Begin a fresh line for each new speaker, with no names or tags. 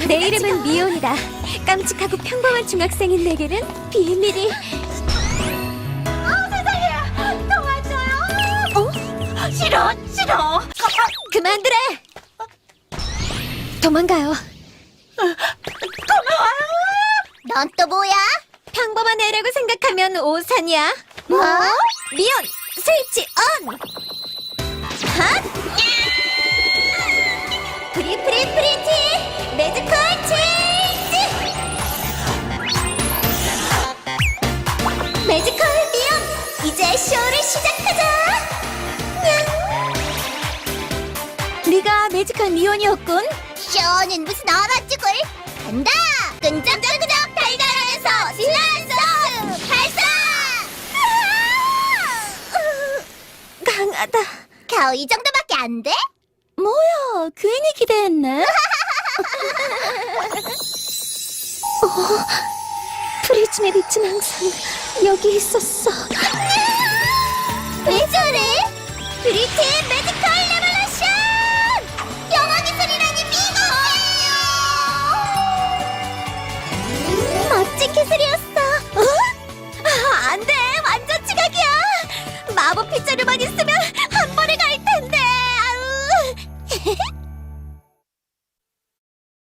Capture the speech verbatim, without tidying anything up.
내 이름은 미온이다. 깜찍하고 평범한 중학생인 내게는 비밀이.
어, 세상에! 도와줘요! 어? 싫어, 싫어!
그만두래! 도망가요.
넌 또 뭐야?
평범한 애라고 생각하면 오산이야.
뭐?
미온, 스위치 온! 핫! 프리 프리 프리티 매지컬 체인지! 매지컬 미온, 이제 쇼를 시작하자! 네가 매지컬 미온이었군.
쇼는 무슨 얼어죽을! 간다! 끈적끈적 달달하면서 신나는 소스 발사!
강하다.
겨우 이 정도밖에 안 돼?
뭐야, 괜히 기대했네. 어, 프리즘의 빛은 항상 여기 있었어.
왜 저래? 브리티 매지컬 레볼루션! 영화 기술이라니 미국이에요!
멋진 기술이었어. 어? 아, 안 돼. 완전 지각이야. 마법 빗자루만 있으면